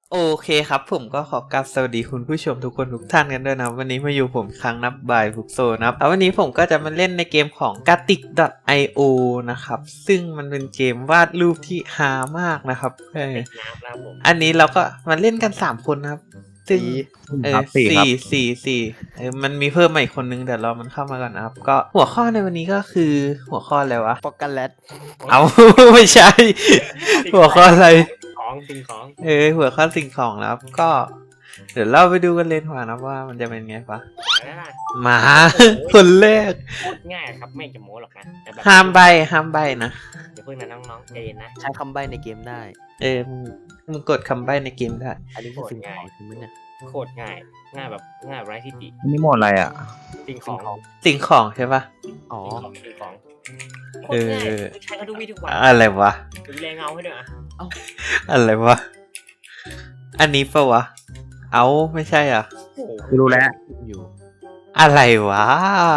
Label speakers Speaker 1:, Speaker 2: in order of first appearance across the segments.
Speaker 1: โอเคครับผมก็ขอกราบสวัสดีคุณผู้ชมทุกคนทุกท่านกันด้วยนะวันนี้มาอยู่ผมครั้งนับบ่ายฟุกโซนะครับวันนี้ผมก็จะมาเล่นในเกมของ Gatik.io นะครับซึ่งมันเป็นเกมวาดรูปที่ฮามากนะครับอันนี้เราก็มาเล่นกัน3คนนะครับซึ่งสี่มันมีเพิ่มมาอีกคนนึงแต่รอมันเข้ามาก่อนนะครับก็หัวข้อในวันนี้ก็คือหัวข้ออะไรวะ
Speaker 2: ปอกกันแลต
Speaker 1: เอา ไม่ใช่ หัวข้ออะไร
Speaker 3: สิ่งของ
Speaker 1: หัวข้อสิ่งของแล้วก็ เดี๋ยวเราไปดูกันเลยดีกว่านะว่ามันจะเป็นไงปะมา คนแรก
Speaker 3: โคตรง่ายครับไม่จะโม้หรอกนะแต่แบบ
Speaker 1: ห้ามใบนะ
Speaker 3: อย่าเพิ่งนะน้องๆใจเย็นนะ
Speaker 2: ใช้คำใบ้ในเกมได้
Speaker 1: มึงกดคำใบในเกมได้
Speaker 2: อันนี้คือสิ่งของใช่ไหมเนี่ย
Speaker 3: โคตรง่ายแบบง่ายไร้ที่ติ
Speaker 4: นี่หมดอะไรอ่ะ
Speaker 3: สิ่งของ
Speaker 1: สิ่งของใช่ปะ
Speaker 2: อ๋อ
Speaker 3: สิ่งของโคตรง่ายใช้กันทุกวี่ทุกวัน
Speaker 1: อะไรวะ
Speaker 3: ดูแลเงาให้ด้วยอ่ะ
Speaker 1: อะไรวะ อันนี้ปะวะ เอาไม่ใช่อ่ะ
Speaker 4: กูรู้แล้ว
Speaker 2: อยู่
Speaker 1: อะไรวะ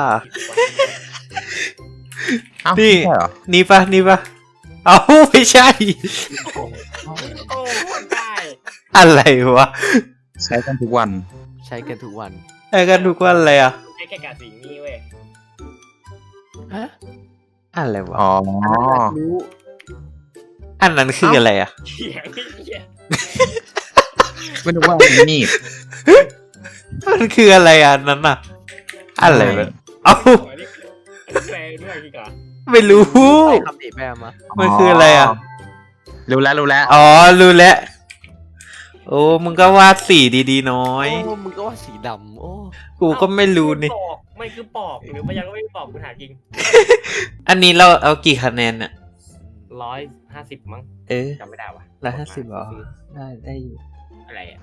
Speaker 4: เอ้า
Speaker 1: นี่
Speaker 4: ใช่เหรอ
Speaker 1: นี่ปะเอาไม่ใช่
Speaker 3: โอ้โหได้
Speaker 1: อะไรวะ
Speaker 4: ใช้กันทุกวัน
Speaker 2: ใช้กันทุกวัน
Speaker 1: ไอ้กันทุกวันเลยอ่ะ
Speaker 3: ใช้แค่กาสิ่งนี้เว้ย
Speaker 2: ฮะ
Speaker 1: อะไรวะ
Speaker 4: อ๋อ
Speaker 2: รู้
Speaker 1: อันนั้นคืออะไรอ่ะ
Speaker 3: เขียงเขียง
Speaker 4: ไม่รู้ว่านี่
Speaker 1: มันคืออะไรอ่ะนั้นอ่ะ อะไรวะเอ้า
Speaker 3: อันนี้แปลด้วยพี่กา
Speaker 1: ไม่รู้
Speaker 2: ใช้คำติแม่มา
Speaker 1: มันคืออะไรอ่ะ
Speaker 4: รู้แล้วรู้แล้ว
Speaker 1: อ๋อ รู้แล้ว โอ้ มึงก็วาดสีดีๆน้อย
Speaker 2: โอ้มึงก็ว่าสีดำโอ้
Speaker 1: กูก็ไม่รู้นี่
Speaker 3: ปอกไม่คือปอกหรือพยักก็ไม่ปอกคุณหาจริง
Speaker 1: อันนี้เราเอากี่คะแนนอ่ะ
Speaker 3: 150มั้ง จำไม่ได้ว่ะ
Speaker 1: 150เหรอ ได้อยู่
Speaker 3: อะไรอ่ะ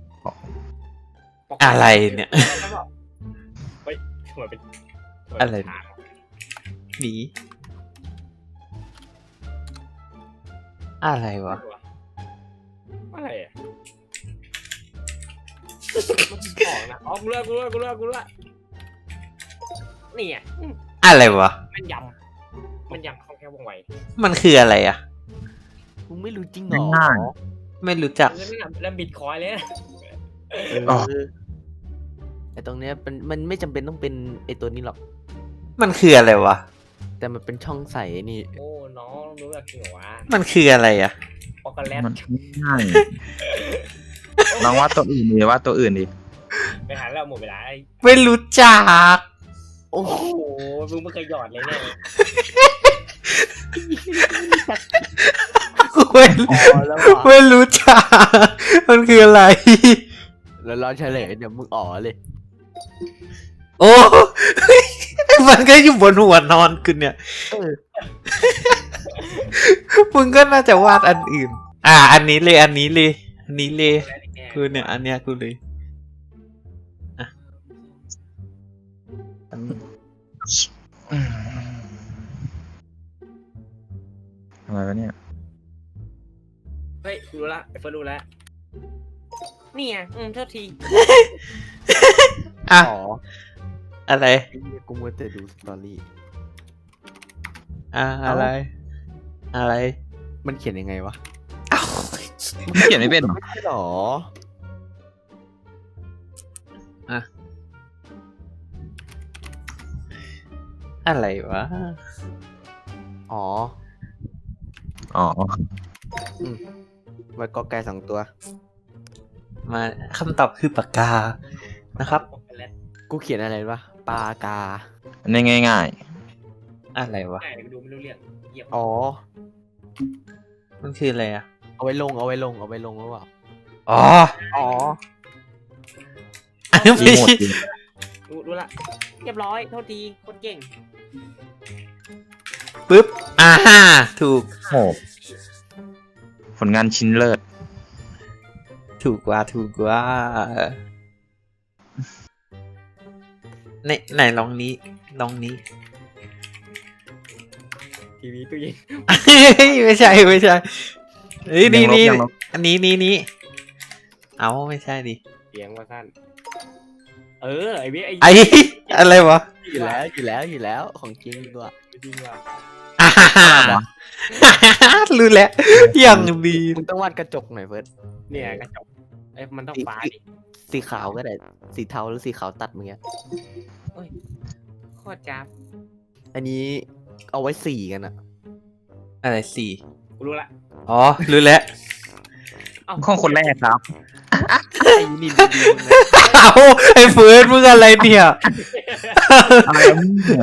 Speaker 1: อะไรเนี่ย
Speaker 3: เฮ้ยเหมือนเป็น
Speaker 1: อะไร หนีอะไรวะ
Speaker 3: อะไรอ่ะมันของนะอ๋อกูเลือกนี่อ่ะ
Speaker 1: อะไรวะ
Speaker 3: มันยำคล่องแคล่วว่องไว
Speaker 1: มันคืออะไรอ่ะ
Speaker 2: มึงไม่รู้จริงเหรอ
Speaker 4: ง่าย
Speaker 1: ไม่รู้จัก
Speaker 3: เงินไม่นำแล้วบิตคอยเลยนะ
Speaker 4: อ๋อ
Speaker 2: ไอตรงเนี้ยมันไม่จำเป็นต้องเป็นไอตัวนี้หรอก
Speaker 1: มันคืออะไรวะ
Speaker 2: แต่มันเป็นช่องใส่ไอ้นี่
Speaker 3: โอ้น้องรู้แบบจริงเหรอวะ
Speaker 1: มันคืออะไรอ่ะ
Speaker 3: ปอกโกแลต
Speaker 4: มันง่ายลองว่าตัวอื่นดิว่าตัวอื่นดิ
Speaker 3: ไปหาแล้วหมดเวลา
Speaker 1: ไม่รู้จัก
Speaker 2: โอ้
Speaker 3: โอ้โหมึงไม่เคยหยอดเลยเนี่ย
Speaker 1: ไม่
Speaker 2: อ๋อแล้ว
Speaker 1: ไม่รู้จัก มันคืออะไร
Speaker 2: แล้วรอเฉลยเดี๋ยวมึงอ๋อเลย
Speaker 1: โอ้ มันก็อยู่บนหัวนอนคุณเนี่ย
Speaker 2: เออ
Speaker 1: มึงก็น่าจะวาดอันอื่น อันนี้เลยคือเนี่ย อันเนี้ยกูเลยอ่ะอันนี้
Speaker 4: ทำไมวะเนี่ย
Speaker 3: เฮ้ยรู้ละไอ้เฟิร์นรู้แล้วนี่ไงโทษที
Speaker 1: อ่ะ
Speaker 2: อ๋อ
Speaker 1: อะไร
Speaker 2: ไอ้เหี้ยกูมัวแต่ดูสตอรี่
Speaker 1: อะไร อะไร
Speaker 2: มันเขียนยังไงวะ
Speaker 1: เอ้า
Speaker 4: เขียนไม่เป็นเหรอ
Speaker 2: ไม่ใช่หรอ
Speaker 1: อะไรวะ
Speaker 2: อ๋อ
Speaker 4: อ๋อ
Speaker 2: ไว้กอไก่2 ตัว
Speaker 1: มาคำตอบคือปากกา นะครับ
Speaker 3: ปอกโกแลต
Speaker 2: กูเขียนอะไรวะปากา
Speaker 4: อันนี้ง่าย
Speaker 1: อะไรวะ
Speaker 3: ง่ายดูไม่รู้เรื่องเหยียบ
Speaker 2: อ๋อ
Speaker 1: มันคืออะไรอ่ะ
Speaker 2: เอาไว้ลงหรือเปล่า
Speaker 1: อ๋อ
Speaker 2: อ๋อ
Speaker 1: อันนี้
Speaker 4: ๆ
Speaker 1: ไม่
Speaker 4: หมด
Speaker 1: ใช่
Speaker 4: ดิ
Speaker 3: รู้ละเรียบร้อยโทษทีคนเก่ง
Speaker 1: ปึ๊บ ถูก
Speaker 4: โหผลงานชิ้นเลิศ
Speaker 1: ถูกกว่าไหนลองนี้
Speaker 3: ทีวีตู้เย็น
Speaker 1: ไม่ใช่ เฮ้ย นี่
Speaker 4: ยังลบ
Speaker 1: อันนี้ เอาไม่ใช่ดิ
Speaker 3: เสียงว่าสั้นไอ้เบี้ย
Speaker 1: ไอ้ อะไรวะ
Speaker 2: อยู่แล้วของจริงด้วย
Speaker 3: จริงว่ะ
Speaker 1: รู้แล้ว อย่างดี
Speaker 2: มึงต้องวาดกระจกหน่อยเฟิร์ส
Speaker 3: เนี่ยกระจกมันต้องฟ้าดิ
Speaker 2: สีขาวก็ได้สีเทาหรือสีขาวตัดมึงเงี้ย
Speaker 3: โคตรจ้าบ
Speaker 2: อันนี้เอาไว้สีกันอะ
Speaker 1: อะไรสี่
Speaker 3: กูรู้ละ
Speaker 1: อ๋อรู้แล้ว
Speaker 4: ข้องคนแรกครับ
Speaker 2: ไอ้นี่ดีๆมึงนะ
Speaker 1: เอาไอ้เฟิร์สมึงอะไรเนี่ย
Speaker 4: อะไรเนี่ย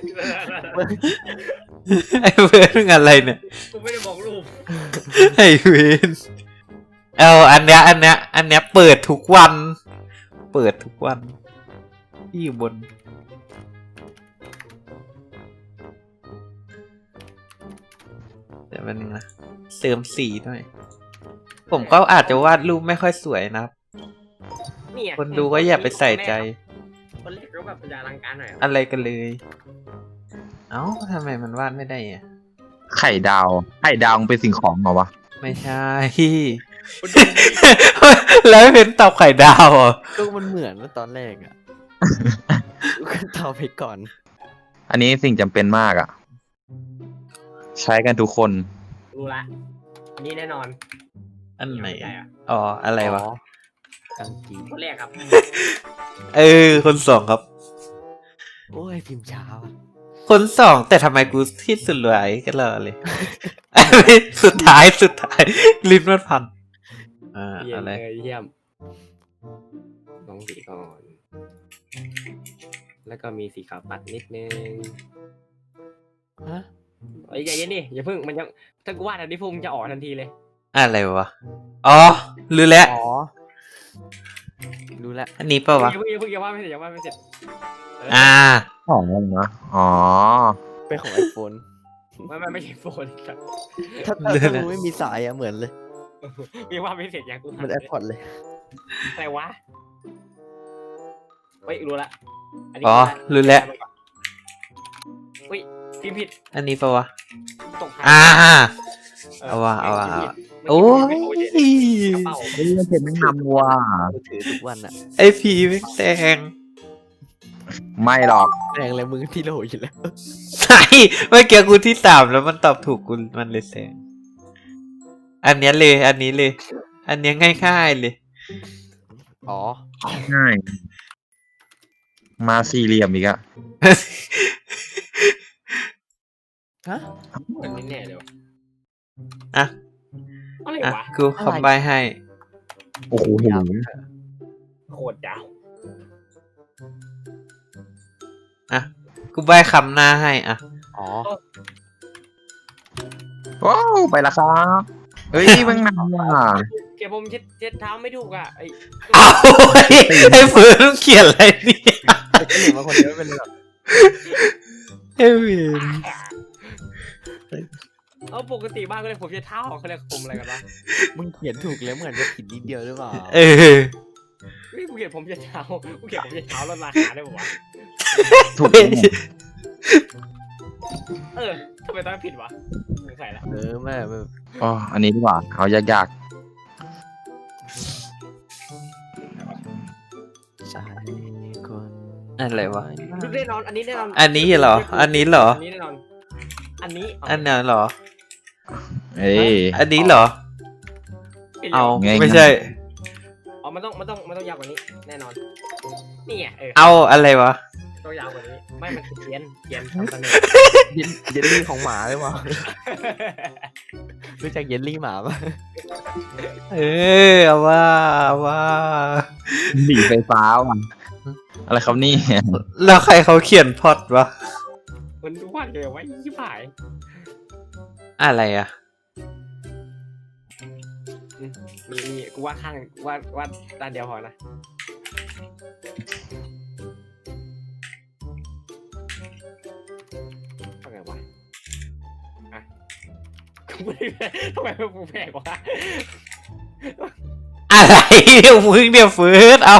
Speaker 1: ไอ้เฟิร์สมึงอะไรเนี่ย
Speaker 3: กูไม่ได้บอกรูป
Speaker 1: ไอ้เวนอันเนี้ยเปิดทุกวัน เปิดทุกวันที่อยู่บน เดี๋ยวมันงนะเติมสีหน่อย ผมก็อาจจะวาดรูปไม่ค่อยสวยนะครับ
Speaker 3: เนี่ย
Speaker 1: คนดูก็อย่าไปใส่ใจ
Speaker 3: คนแรกก็แบบจะอลังการหน่อย
Speaker 1: อะไรกันเลย เอ้าทำไมมันวาดไม่ได้อ่ะ
Speaker 4: ไข่ดาวมันเป็นสิ่งของเหรอวะ
Speaker 1: ไม่ใช่
Speaker 3: คนดู
Speaker 1: แล้วเป็นตอบไข่ดาวเหรอ
Speaker 2: ก็มันเหมือนว่าตอนแรกอะก็ตอบไปก่อน
Speaker 4: อันนี้สิ่งจำเป็นมากอ่ะ ใช้กันทุกคน
Speaker 3: รู้ละอันนี้แน่นอน
Speaker 1: อันไหน
Speaker 3: ม่ด้อะ
Speaker 1: อ๋อ อะไรวะ
Speaker 2: กางกี
Speaker 3: คนแรกครับ
Speaker 1: คนสองครับ
Speaker 2: โอ้ยพิมพ์ช้าว่ะ
Speaker 1: คนสองแต่ทำไมกูที่สุดรวยกันเลย สุดท้ายลิ้นมันพัน
Speaker 3: เยี่ยม
Speaker 1: อะไร
Speaker 3: เลยเยี่ยมลองสีก่อน แล้วก็มีสีขาวตัดนิดนึง
Speaker 2: ฮะ
Speaker 3: เอ้ยอย่าเย็นดิอย่าเพิ่งมันยังถ้ากูวาดอันนี้พุ่งจะออกทันทีเลย
Speaker 1: อะไรวะ อ๋อรู้แล้ว
Speaker 2: อ๋อรู้แล้ว
Speaker 1: อันนี้เปล่าวะ
Speaker 3: อย่าว่าไม่เสร็จอย่าว่าไม่เสร็จ
Speaker 4: ของนะอ๋อ
Speaker 2: เป็นของไอโฟน
Speaker 3: ไม่ใช่โฟนครับ
Speaker 2: ถ้ามึงไม่มีสายอะเหมือนเลย
Speaker 3: ยังว่าไม่เสร็จยังกู
Speaker 2: เหมันแอร์พอร์ตเลย
Speaker 3: อะไรวะเฮ้ยรู้ละนนี้
Speaker 1: อ๋อรู้แล้ว
Speaker 3: อุ้ยพิมพ์ผิด
Speaker 1: อันนี้เปล่าวะ
Speaker 3: ตกท้าย
Speaker 1: เอาว่ะ
Speaker 3: พิมพ์ผิด
Speaker 1: โอ้ย
Speaker 3: กระเป๋า
Speaker 4: เฮ้ยมันเป็นทำว่ะ
Speaker 2: กูถือทุกวันอะ
Speaker 1: ไอพีไม่แซง
Speaker 4: ไม่หรอก
Speaker 2: แรงเลยมึงที่โหลอยู่แล้ว
Speaker 1: ใช่เมื่อกี้กูที่3แล้วมันตอบถูกกูมันเลยแซงอันเนี้ยเลย อันนี้เลย อันเนี้ยง่ายๆเลย
Speaker 2: อ๋อ
Speaker 4: ง่าย มาสี่เหลี่ยมอีกอะ
Speaker 2: ฮะ
Speaker 3: เหมือนแน่ๆเลยวะ
Speaker 1: อ่ะ
Speaker 3: อะไร
Speaker 1: อ่ะ
Speaker 3: วะ
Speaker 1: กูคำใบให้
Speaker 4: โอ้โห
Speaker 3: โคตรยาว
Speaker 1: อ่ะ กูใบคำหน้าให้ อ่ะ
Speaker 2: อ๋อ
Speaker 4: ว้าวไปละครับ เฮ้ยมึงนำว่ะ
Speaker 3: เก็บผมเช็ดเท้าไม่ถูกอ่ะไอ้
Speaker 1: เอาไอ้เฟิร์นเขียนอะไรเนี่ย
Speaker 2: จะหนีมาคนเดียวไม่เป็นไรหรอก
Speaker 1: ไอ้เฟิร์น
Speaker 3: เอาปกติบ้านก็เลยผมเช็ดเท้าเขาเรียกผมอะไรกันวะ
Speaker 2: มึงเขียนถูกแล้วเหมือนจะผิดนิดเดียวหรือเปล่า
Speaker 1: เออ
Speaker 3: เฮ้ยกูเขียนผมเช็ดเท้ากูเขียนผมเช็ดเท้าลดราคาได้ปะวะ
Speaker 4: ถูกต้อง
Speaker 3: ทำไมต้องผิดวะสงสัยละ
Speaker 2: ไม่
Speaker 4: อ๋ออันนี้ดีกว่า เอายาก
Speaker 2: ใช่คน
Speaker 1: อะไรวะ
Speaker 3: ดูแน่นอนอันนี้แน่นอน
Speaker 1: อันนี้เหรอ อันนี้เหรอ
Speaker 3: อันนี้แน่นอนอันนี้
Speaker 1: อันนั้นเหรอ
Speaker 4: ๆเอ้ย
Speaker 1: อันนี้เหรอ เอา
Speaker 4: ง่ายๆ
Speaker 1: ไม่ใช่
Speaker 3: อ๋อมันต้องยาวกว่านี้แน่นอนนี่ไง
Speaker 1: เอาอะไรวะ
Speaker 3: ต้องยาวกว่านี้ไม่มันคือเขียนทำเสนอ
Speaker 2: เยลลี่ของหมาหรือเปล่ารู้จักเยลลี่หมาปะ
Speaker 1: เอาว่า
Speaker 4: หนีไฟฟ้าว่ะอะไรครับนี่
Speaker 1: แล้วใครเขาเขียนพล็อดวะ
Speaker 3: มันวาดเลยไว้ยี่ป่าย
Speaker 1: อะไรอ่ะ
Speaker 3: มีกูวาดข้างวาดด้านเดียวพอนะทำไงวะอ่ะกูไม่ได้ทำไมมันกูแพงกว่า
Speaker 1: อะไรเดี๋ยวมึงเดี๋ยวฟื้นเอา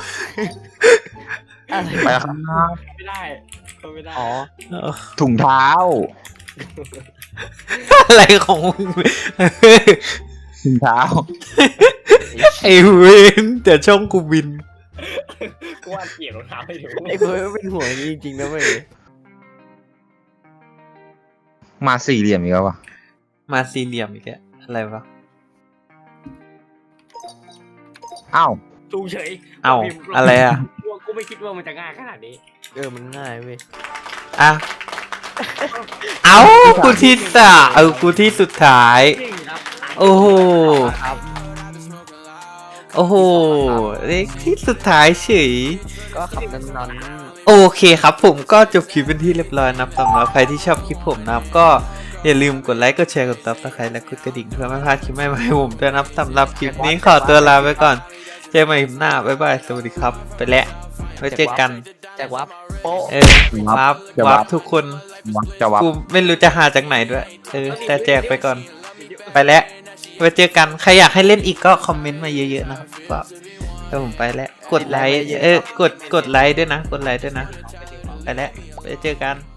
Speaker 2: อะไร
Speaker 4: ไปแล้วครับ
Speaker 3: ไม่ได้ก็ไม่ได้
Speaker 2: อ๋อ
Speaker 4: ถุงเท้า
Speaker 1: อะไรของมึง
Speaker 4: ถุงเท้า
Speaker 1: ไอ้เวนแต่ช่องกูบิน
Speaker 3: กูวาดเกลียดรองเท้าให้ดู
Speaker 2: ไอ้เฟิร์สเป็นห่วงจริงๆนะเว้ย
Speaker 4: มาสี่เหลี่ยมอีกแล้ววะ
Speaker 1: มาสี่เหลี่ยมอีกแล้วอะไรวะ
Speaker 4: อ้าว
Speaker 3: ถูกเฉย
Speaker 1: เอ้า
Speaker 3: พิมพ์
Speaker 1: อะไรอ่ะ
Speaker 3: กูไม่คิดว่ามันจะง่ายขนาดนี้
Speaker 2: มันง่ายเว้ย
Speaker 1: อ่ะเอ้ากูที่สะกูที่สุดท้าย
Speaker 3: จริงครับ
Speaker 1: โอ้โห
Speaker 2: ครับ
Speaker 1: โอ้โหเลขที่สุดท้ายเฉย
Speaker 2: ก็ขับนั้น
Speaker 1: โอเคครับผมก็จบคลิปเป็นที่เรียบร้อยนะครับสำหรับใครที่ชอบคลิปผมนะครับก็อย่าลืมกดไลค์กดแชร์กดติดตามและกดกระดิ่งเพื่อไม่พลาดคลิปใหม่ๆให้ผมด้วยนะครับสำหรับคลิปนี้ขอตัวลาไปก่อนเจอกันใหม่คลิปหน้าบ๊ายบายสวัสดีครับไปแล้วไว้เจอกัน
Speaker 2: แจกวับโป๊ะ
Speaker 1: วาร์ปทุกคน
Speaker 4: จะวับ
Speaker 1: กูไม่รู้จะหาจากไหนด้วยแต่แจกไปก่อนไปแล้วไว้เจอกันใครอยากให้เล่นอีกก็คอมเมนต์มาเยอะๆนะครับก็เดี๋ยวผมไปแล้วกดไลค์กดไลค์ด้วยนะกดไลค์ด้วยนะไปแล้วไว้เจอกัน